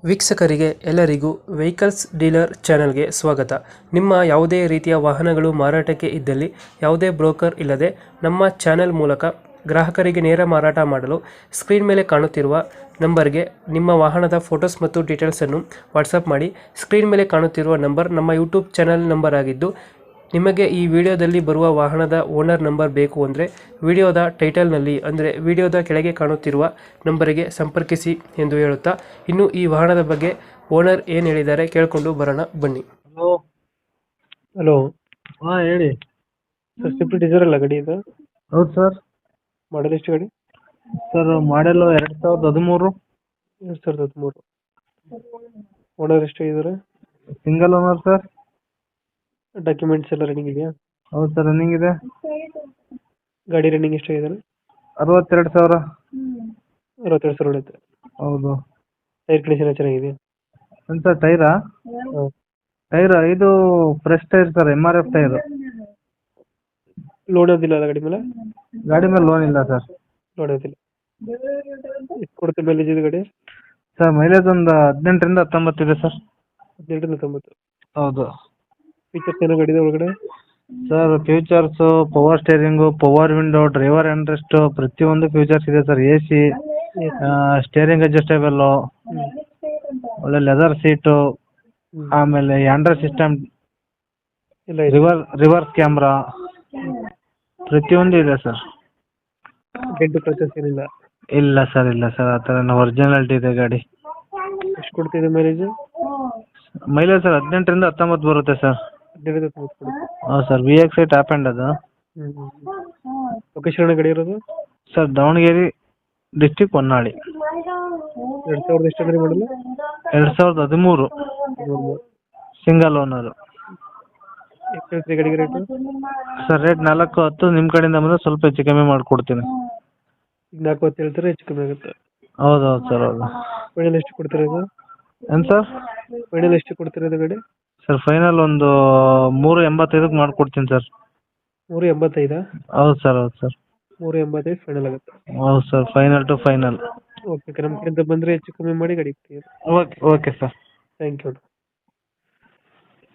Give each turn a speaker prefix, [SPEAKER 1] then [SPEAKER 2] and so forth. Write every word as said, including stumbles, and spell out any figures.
[SPEAKER 1] ವೀಕ್ಷಕರಿಗೆ ಎಲ್ಲರಿಗೂ vehicles dealer ಚಾನೆಲ್ಗೆ ಸ್ವಾಗತ. ನಿಮ್ಮ ಯಾವುದೇ ರೀತಿಯ ವಾಹನಗಳು ಮಾರಾಟಕ್ಕೆ ಇದ್ದಲ್ಲಿ ಯಾವುದೇ ಬ್ರೋಕರ್ ಇಲ್ಲದೆ ನಮ್ಮ ಚಾನೆಲ್ ಮೂಲಕ ಗ್ರಾಹಕರಿಗೆ ನೇರ ಮಾರಾಟ ಮಾಡಲು ಸ್ಕ್ರೀನ್ ಮೇಲೆ ಕಾಣುತ್ತಿರುವ ನಂಬರ್ಗೆ ನಿಮ್ಮ ವಾಹನದ ಫೋಟೋಸ್ ಮತ್ತು ಡೀಟೇಲ್ಸನ್ನು ವಾಟ್ಸಪ್ ಮಾಡಿ. ಸ್ಕ್ರೀನ್ ಮೇಲೆ ಕಾಣುತ್ತಿರುವ ನಂಬರ್ ನಮ್ಮ ಯೂಟ್ಯೂಬ್ ಚಾನೆಲ್ ನಂಬರ್ ಆಗಿದ್ದು, ನಿಮಗೆ ಈ ವಿಡಿಯೋದಲ್ಲಿ ಬರುವ ವಾಹನದ ಓನರ್ ನಂಬರ್ ಬೇಕು ಅಂದರೆ ವಿಡಿಯೋದ ಟೈಟಲ್ನಲ್ಲಿ ಅಂದರೆ ವಿಡಿಯೋದ ಕೆಳಗೆ ಕಾಣುತ್ತಿರುವ ನಂಬರಿಗೆ ಸಂಪರ್ಕಿಸಿ ಎಂದು ಹೇಳುತ್ತಾ, ಇನ್ನು ಈ ವಾಹನದ ಬಗ್ಗೆ ಓನರ್ ಏನು ಹೇಳಿದ್ದಾರೆ ಕೇಳಿಕೊಂಡು ಬರೋಣ ಬನ್ನಿ.
[SPEAKER 2] ಹಲೋ.
[SPEAKER 1] ಹಲೋ
[SPEAKER 2] ಹಾಂ ಹೇಳಿ.
[SPEAKER 1] ಸರ್, ಸ್ವಿಫ್ಟ್ ಡಿಸೈರ್ ಅಲ್ಲ ಗಾಡಿ ಇದು?
[SPEAKER 2] ಹೌದು ಸರ್.
[SPEAKER 1] ಮಾಡಲ್ ಎಷ್ಟು ಗಾಡಿ?
[SPEAKER 2] ಸರ್ ಮಾಡೆಲು ಎರಡು ಸಾವಿರದ ಹದಿಮೂರು.
[SPEAKER 1] ಎರಡು ಸಾವಿರದ ಹದಿಮೂರು. ಓನರ್ ಎಷ್ಟು ಇದ್ದಾರೆ?
[SPEAKER 2] Single owner sir.
[SPEAKER 1] ಡಾಕ್ಯುಮೆಂಟ್ಸ್ ಎಲ್ಲ ರನ್ನಿಂಗ್ ಇದೆಯಾ?
[SPEAKER 2] ಹೌದು ಸರ್, ರನ್ನಿಂಗ್ ಇದೆ.
[SPEAKER 1] ಗಾಡಿ ರನ್ನಿಂಗ್ ಎಷ್ಟು ಇದ್ದಾರೆ?
[SPEAKER 2] ಅರವತ್ತೆರಡು ಸಾವಿರ.
[SPEAKER 1] ಅರವತ್ತೆರಡು ಸಾವಿರ ಹೊಡೆಯುತ್ತೆ.
[SPEAKER 2] ಹೌದು.
[SPEAKER 1] ಟೈರ್ ಕಂಡೀಷನ್ ಚೆನ್ನಾಗಿದೆಯಾ?
[SPEAKER 2] ಏನು ಸರ್, ಟೈರಾ?
[SPEAKER 1] ಹಾಂ.
[SPEAKER 2] ಟೈರ್ ಇದು fresh tyre sir, M R F tyre.
[SPEAKER 1] Loan ಓದಿಲ್ಲ ಅಲ್ಲ ಗಾಡಿ ಮೇಲೆ?
[SPEAKER 2] ಗಾಡಿ ಮೇಲೆ ಲೋನ್ ಇಲ್ಲ ಸರ್.
[SPEAKER 1] ಲೋನ್ ಓದಿಲ್ಲ. ಎಷ್ಟು ಕೊಡುತ್ತೆ ಮೈಲೇಜ್ ಇದು ಗಾಡಿ?
[SPEAKER 2] ಸರ್ ಮೈಲೇಜ್ ಒಂದು ಹದಿನೆಂಟರಿಂದ ಹತ್ತೊಂಬತ್ತು ಇದೆ ಸರ್.
[SPEAKER 1] ಹದಿನೆಂಟರಿಂದ ತೊಂಬತ್ತು.
[SPEAKER 2] ಹೌದು.
[SPEAKER 1] ಫೀಚರ್ಸ್ ಏನೋ ಗಾಡಿದ ಒಳಗಡೆ?
[SPEAKER 2] Sir features, power steering, power window, driver handrest, ಪ್ರತಿಯೊಂದು ಫ್ಯೂಚರ್ಸ್ ಇದೆ sir. A C, steering adjustable, ಒಳ್ಳೆ ಲೆದರ್ ಸೀಟು, ಆಮೇಲೆ ಆಂಡ್ರಾಯ್ಡ್ ಸಿಸ್ಟಮ್,
[SPEAKER 1] ಇಲ್ಲ ಇದೆ.
[SPEAKER 2] ರಿವರ್ ರಿವರ್ಸ್ ಕ್ಯಾಮ್ರಾ, ಪ್ರತಿಯೊಂದು ಇದೆ ಸರ್.
[SPEAKER 1] ಡೆಂಟು ಕ್ರಚಸ್ ಏನಿಲ್ಲ?
[SPEAKER 2] ಇಲ್ಲ ಸರ್, ಇಲ್ಲ ಸರ್, ಆ ಥರ ಒರಿಜಿನಾಲಿಟಿ ಇದೆ ಗಾಡಿ.
[SPEAKER 1] ಎಷ್ಟು ಕೊಡ್ತಿದೆ ಮೈಲೇಜ್?
[SPEAKER 2] ಮೈಲೇಜ್ ಸರ್ ಹದಿನೆಂಟರಿಂದ ಹತ್ತೊಂಬತ್ತು ಬರುತ್ತೆ ಸರ್.
[SPEAKER 1] ಹದಿನೆಂಟರಿಂದ ತೊಂಬತ್ತು ಕೊಡುತ್ತೆ.
[SPEAKER 2] ಹೌದು sir, V X I top end ಅದು.
[SPEAKER 1] ಹ್ಞೂ ಲೊಕೇಶನ್ ಗಾಡಿ ಇರೋದು?
[SPEAKER 2] Sir Davanagere district Honnali.
[SPEAKER 1] ಎರಡು ಸಾವಿರದ ಎಷ್ಟು ಅಂದರೆ ಮಾಡಲು?
[SPEAKER 2] ಎರಡು ಸಾವಿರದ ಹದಿಮೂರು. Single owner.
[SPEAKER 1] ಎಷ್ಟು ಹೇಳ್ತೀರಿ ಗಾಡಿಗೆ ರೇಟು?
[SPEAKER 2] ಸರ್ ರೇಟ್ ನಾಲ್ಕು ಹತ್ತು, ನಿಮ್ಮ ಕಡೆಯಿಂದ ಬಂದರೆ ಸ್ವಲ್ಪ ಹೆಚ್ಚು ಕಮ್ಮಿ ಮಾಡಿಕೊಡ್ತೀನಿ.
[SPEAKER 1] ಈಗ ನಾಲ್ಕು ಹೊತ್ತು ಹೇಳ್ತಾರೆ, ಹೆಚ್ಚು ಕಮ್ಮಿ ಆಗುತ್ತೆ.
[SPEAKER 2] ಹೌದು ಹೌದು ಸರ್, ಹೌದು.
[SPEAKER 1] ಫೈನಲ್ ಎಷ್ಟು ಕೊಡ್ತೀರಾ ಇದು?
[SPEAKER 2] ಏನು ಸರ್?
[SPEAKER 1] ಫೈನಲ್ ಎಷ್ಟು ಕೊಡ್ತೀರಾ ಇದು ಗಾಡಿ?
[SPEAKER 2] ಸರ್ ಫೈನಲ್ ಒಂದು ಮೂರು ಎಂಬತ್ತೈದಕ್ಕೆ ಮಾಡಿಕೊಡ್ತೀನಿ ಸರ್.
[SPEAKER 1] ಮೂರು ಎಂಬತ್ತೈದಾ?
[SPEAKER 2] ಹೌದು ಸರ್, ಹೌದು ಸರ್.
[SPEAKER 1] ಮೂರು ಎಂಬತ್ತೈದು ಫೈನಲ್ ಆಗುತ್ತೆ.
[SPEAKER 2] ಹೌದು sir, final to final.
[SPEAKER 1] Okay, ನಮ್ಮ ಕಡೆಯಿಂದ ಬಂದರೆ ಹೆಚ್ಚು ಕಮ್ಮಿ ಮಾಡಿ ಗಾಡಿ ಕೊಡಿ.
[SPEAKER 2] Okay okay sir.
[SPEAKER 1] Thank you.